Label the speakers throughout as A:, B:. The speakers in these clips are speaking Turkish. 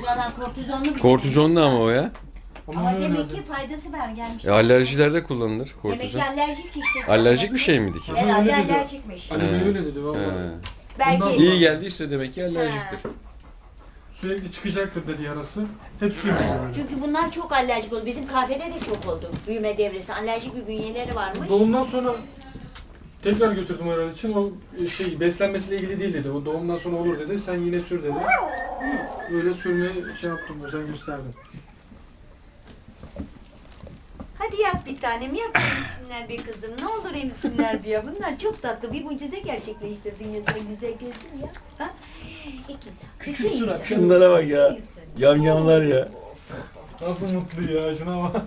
A: Şuralar kortizonlu bir
B: Kortizonlu ama o ya.
A: Ama demek ki faydası var gelmiş.
B: Alerjilerde kullanılır kortizon.
A: Demek ki alerjik işte.
B: Alerjik bir şey miydi ki?
A: Herhalde alerjikmiş.
C: Ali Bey öyle dedi vallahi.
A: Belki
B: İyi geldiyse demek ki alerjiktir.
C: Sürekli çıkacaktır dedi yarası. Hep sürekli böyle.
A: Çünkü bunlar çok alerjik oldu. Bizim kahvede de çok oldu. Büyüme devresi. Alerjik bir bünyeleri varmış.
C: Doğumdan sonra tekrar götürdüm herhalde için. O beslenmesiyle ilgili değil dedi. O doğumdan sonra olur dedi. Sen yine sür dedi. Öyle sürmeye şey yaptım. Özen gösterdim.
A: Hadi yap bir tanem, yap emsinler bir kızım. Ne olur emsinler bir ya. Bunlar çok tatlı. Bir mucize gerçekleştirdin ya sen güzel gözüm ya. Ha?
C: Küçük surat.
B: Şunlara bak ya. Yamyamlar ya.
C: Nasıl mutlu ya şuna bak.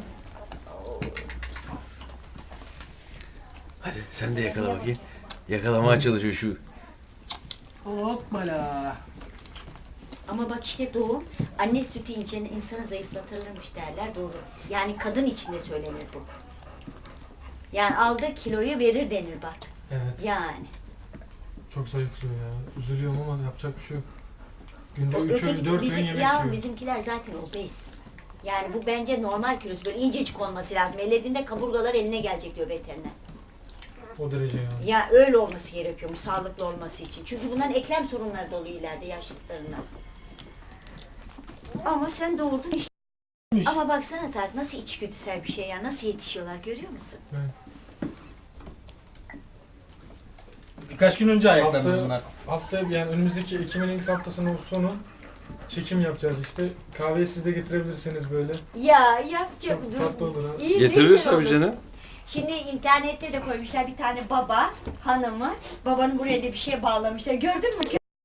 B: Hadi sen de yakala bakayım. Yakalamaya çalışıyor şu.
C: Hoppala.
A: Ama bak işte doğum, anne sütü içen insanı zayıflatırlarmış derler, doğru. Yani kadın içinde söylenir bu. Yani aldığı kiloyu verir denir bak.
C: Evet.
A: Yani.
C: Çok zayıflıyor ya. Üzülüyorum ama yapacak bir şey yok. Günde 3
A: Öteki-
C: öğün 4 öğün
A: bizim,
C: yemek
A: ya
C: yiyor.
A: bizimkiler zaten obez. Yani bu bence normal kilosu, böyle incecik olması lazım. Ellediğinde kaburgalar eline gelecek diyor veteriner.
C: O derece yani.
A: Ya öyle olması gerekiyormuş sağlıklı olması için. Çünkü bunların eklem sorunları da oluyor ileride yaşlılarına. Ama sen doğurdun işte. Ama baksana Tarık nasıl içgüdüsel bir şey ya. Nasıl yetişiyorlar görüyor musun?
C: Evet.
D: Birkaç gün önce ayaklandı bunlar.
C: Hafta yani önümüzdeki Ekim'in ilk haftasının sonu çekim yapacağız işte. Kahveyi siz de getirebilirseniz böyle.
A: Ya yapacağım.
C: Çok tatlı olur ha.
A: İyi,
B: Getiririz
A: güzel
B: tabii
A: olur.
B: canım.
A: Şimdi internette de koymuşlar bir tane baba hanımı. Babanın buraya da bir şey bağlamışlar. Gördün mü?